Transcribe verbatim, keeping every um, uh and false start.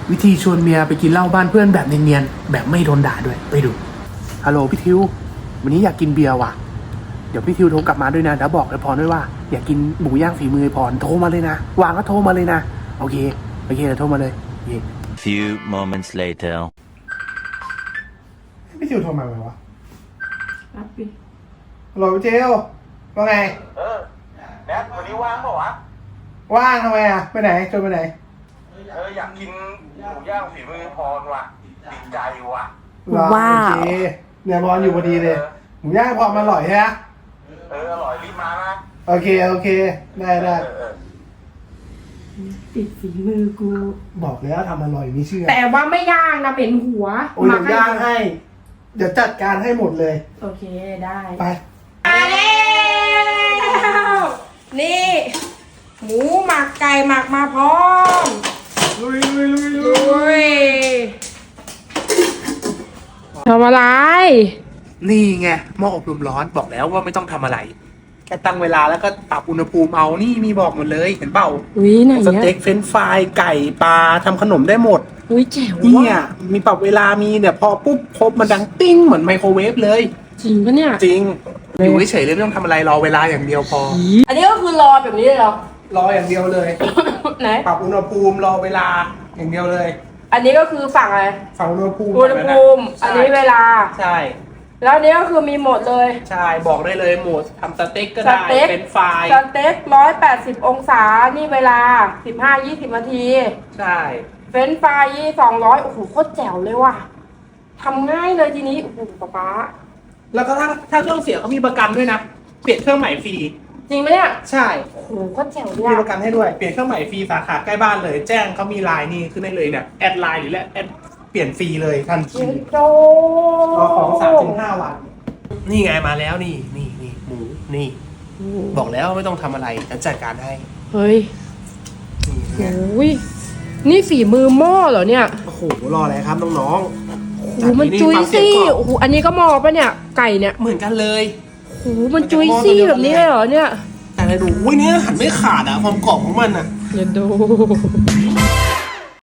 วิธีชวนเมียไปกินเหล้าบ้านเพื่อนแบบเนียนๆแบบไม่โดนด่าด้วยไปดูฮัลโหลพี่ทิววันนี้อยากกินเบียร์ว่ะเดี๋ยวพี่ทิวโทรกลับมาด้วยนะแล้วบอกไอ้พรด้วยว่าอยากกินหมูย่างฝีมือไอ้พรโทรมาเลยนะวางก็โทรมาเลยนะโอเคโอเคเดี๋ยวโทรมาเลยโอเค Few moments later พี่ทิวโทรมาไหมวะรับดิฮัลโหลพี่ทิวว่าไงเออแนทวันนี้ว่างเปล่าวะว่างทำไมอ่ะไปไหนชวนไปไหนเอออยากกินหมูย่างฝีมือพรว่ะติดใจว่ะว้าวโอเคเนี่ยพรอยู่พอดีเลยหมูย่างพรมันอร่อยใช่ไหมเอออร่อยรีบมานะโอเคโอเคได้ได้เออเออติดฝีมือกูบอกแล้วทำอร่อยไม่เชื่อแต่ว่าไม่ย่างนะเป็นหัวโอ้ยเดี๋ยวย่างให้ เดี๋ยวจัดการให้หมดเลยโอเคได้ไปมาแล้วนี่ หมูหมักไก่หมักมาพร้อมลุยลุยลุยลุลุยทำอะไรนี่ไงหม้ออบลมร้อนบอกแล้วว่าไม่ต้องทำอะไร แค่ตั้งเวลาแล้วก็ปรับอุณหภูมิเอานี่มีบอกหมดเลยเห็นเปล่าอุ้ยไหนสเนี่ยเต็กเฟรนช์ฟรายไก่ปลาทำขนมได้หมดอุ้ยแจ๋วเนี่ว่ะยมีปรับเวลามีเนี่ยพอปุ๊บครบมันดังติ้งเหมือนไมโครเวฟเลยจริงปะเนี่ยจริงอยู่เฉยๆเลยไม่ต้องทำอะไรรอเวลาอย่างเดียวพออันนี้ก็คือรอแบบนี้เลยเหรอรออย่างเดียวเลยไหนปรับอุณหภูมิรอเวลาอย่างเดียวเลยอันนี้ก็คือฝั่งอะไรฝั่งอุณหภูมิอุณหภูมิใช่อันนี้เวลาใช่แล้วอันนี้ก็คือมีหมดเลยใช่บอกได้เลยหมดทำสเต็กก็สได้เต็กเป็นไฟรายสเต็กร้อยแปดสิบองศา นี่เวลาสิบห้ายี่สิบนาทีใช่เฟรนช์ฟรายยี่สองร้อยโอ้โหโคตรแจ๋วเลยว่ะทำง่ายเลยทีนี้ โอ้โหป๊าป๊าแล้วก็ถ้าถ้าเครื่องเสียเขามีประกันด้วยนะเปลี่ยนเครื่องใหม่ฟรีจริงไหมเนี่ยใช่โอ้โหโคตรแจ๋วเลยมีอะประกันให้ด้วยเปลี่ยนเครื่องใหม่ฟรีสาขาใกล้บ้านเลย แจ้งเขามีไลน์นี่ขึ้นได้เลยเนี่ยแอดไลน์หรือแอดเปลี่ยนฟรีเลยทันทีเจ๊โจรอของสามถึงห้าวัน นี่ไงมาแล้วนี่นี่นี่หมูนี่ บอกแล้วไม่ต้องทำอะไรฉันจัดการให้เฮ้ยนี่โอไง้ยนี่ฝีมือหม้อเหรอเนี่ยโอ้โหรออะไรครับน้องโอ้โหมันจุยซี่โอ้โหอันนี้ก็หม้อปะเนี่ย ไก่เนี่ยเหมือนกันเลยโอ้โหมันจุยซี่แบบนี้เลยเหรอเนี่ยแต่อะไรดูอุ้ยเนี่ยหันไม่ขาดอะความกรอบของมันอะอย่าดู